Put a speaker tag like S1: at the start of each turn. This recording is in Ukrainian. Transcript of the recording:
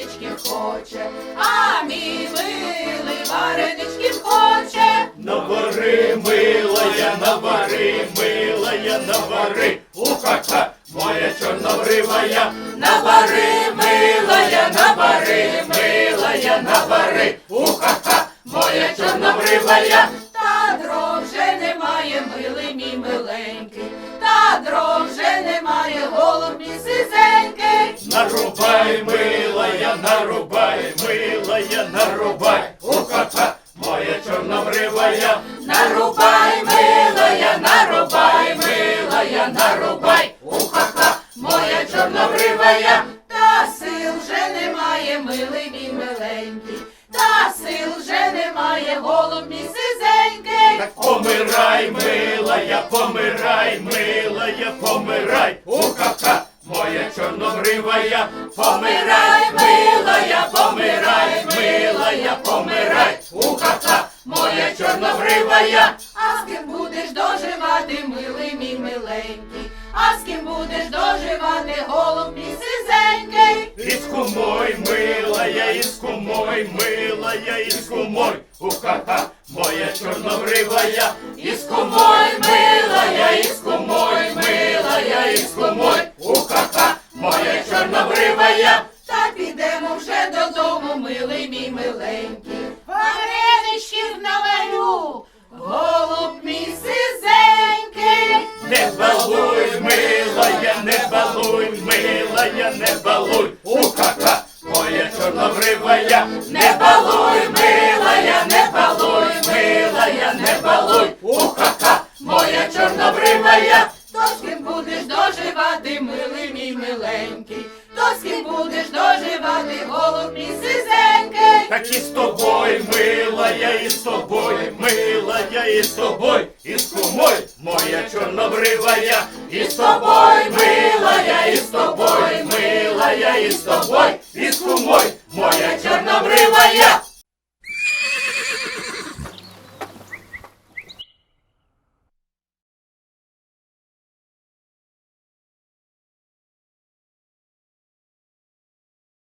S1: вареничків хоче, а мій милий вареничків хоче.
S2: Навари, милая, навари, милая, навари, уха-ха, моя чорнобривая. Навари, милая, навари, милая, навари, уха-ха, моя чорнобривая.
S1: Та дров вже немає, милий мій миленький, та дров вже немає, голуб мій сизенький.
S2: Нарубай, милая, нарубай, милая, нарубай, уха-ха, моя чорнобривая.
S1: Нарубай, милая, нарубай, милая, нарубай, уха-ха, моя чорнобривая. Та сил вже немає, милий мій миленький, та сил вже немає, голуб мій сизенький.
S2: Так помирай, милая, помирай, милая, помирай, уха-ха, моя чорнобривая. Помирай, милая, помирай, милая, помирай, уха-ха, моя чорнобривая.
S1: А з ким будеш доживати, милий мій миленький, а з ким будеш доживати, голуб мій сизенький.
S2: Із кумой, милая, із кумой, милая, із кумой, уха-ха, моя чорнобривая. Із кумой, милая, із кумой, милая, із кумой, уха-ха, моя чорнобривая.
S1: Та підемо вже додому, милий мій миленький, вареничків наварю, голуб мій сизенький.
S2: Не балуй, милая, не балуй, милая, не балуй, уха-ха, моя чорнобривая. Не балуй, милая, не балуй, милая, не балуй, уха-ха, моя чорнобривая.
S1: То з ким будеш доживати, милий мій миленький, то з ким будеш доживати, голуб мій сизенький.
S2: Так і з тобою, милая, і з тобою, милая, і з тобою, і з кумой, моя чорнобривая. І з тобою, милая, і з тобою, милая, і з тобою, і з кумой, моя чорнобривая.